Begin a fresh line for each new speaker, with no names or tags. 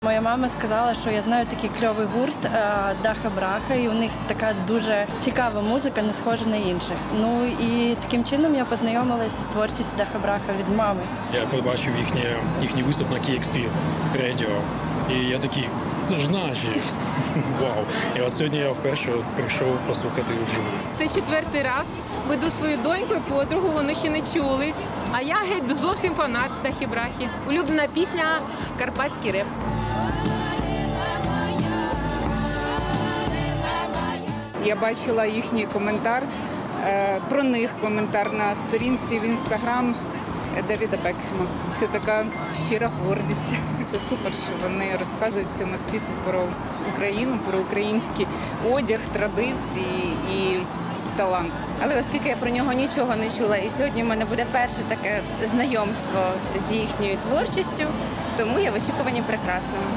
Моя мама сказала, що я знаю такий кльовий гурт Даха Браха, і у них така дуже цікава музика, не схожа на інших. Ну і таким чином я познайомилась з творчістю Даха Браха від мами.
Я побачив їхній виступ на KXP Radio, і я такий, це ж наші. Вау. І от сьогодні я вперше прийшов послухати вживу.
Це 4-й раз веду свою доньку і подругу, вони ще не чули. А я геть зовсім фанат Дахи Брахи. Улюблена пісня «Карпатський реп».
Я бачила їхній коментар, про них коментар на сторінці в Інстаграм Девіда Бекхема. Це така щира гордість. Це супер, що вони розказують цьому світу про Україну, про український одяг, традиції і талант.
Але оскільки я про нього нічого не чула, і сьогодні в мене буде перше таке знайомство з їхньою творчістю, тому я в очікуванні прекрасного.